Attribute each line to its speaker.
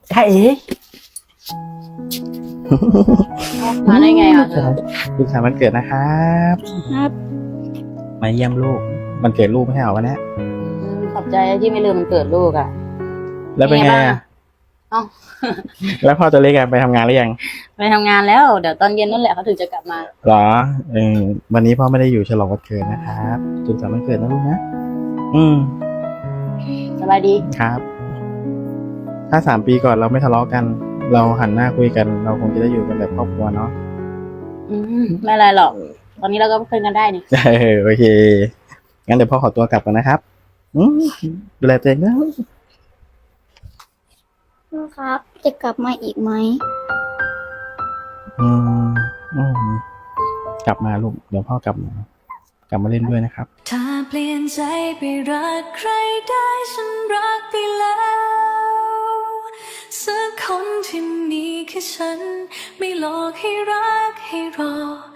Speaker 1: ใช่เอ๋
Speaker 2: มาได้ไงอ่ะเธอ
Speaker 1: ลูกสาววันเกิดนะครับ
Speaker 2: ครับ
Speaker 1: มาเยี่ยมลูกมันเกิดลูกไม่ใช่เหรอวันนี้
Speaker 2: ขอบใจที่ไม่ลืมมันเกิดลูกอ่ะ
Speaker 1: แล้วเป็นไง
Speaker 2: เป็นไงบ้าง
Speaker 1: อ่ะ
Speaker 2: เอ้า
Speaker 1: แล้วพ่อตัวเล็กอะไปทำงานหรือยัง
Speaker 2: ไปทำงานแล้ว เดี๋ยวตอนเย็นนั่นแหละเขาถึงจะกลับมา
Speaker 1: หรอวันนี้พ่อไม่ได้อยู่ฉลองวันเกิดนะครับสุขสันต์วันเกิดนะลูกนะ
Speaker 2: สบายดี
Speaker 1: ครับ ถ้า3 ปีก่อนเราไม่ทะเลาะกัน เราหันหน้าคุยกัน เราคงจะได้อยู่กันแบบครอบครัวเนาะ
Speaker 2: ไม่อะไรหรอก ตอนนี้เราก็คุยกันได้นี่
Speaker 1: โอเค งั้นเดี๋ยวพ่อขอตัวกลับก่อนนะครับดูแลตัวเองนะ
Speaker 3: พ่อครับ จะกลับมาอีกไหม
Speaker 1: อืมอืมกลับมาลูก เดี๋ยวพ่อกลับมาเล่นด้วยนะครับ
Speaker 4: ถ้าเปลี่ยนใจไปรักใครได้ฉันรักไปแล้ว สักคนที่มีแค่ฉัน ไม่หลอกให้รักให้รอ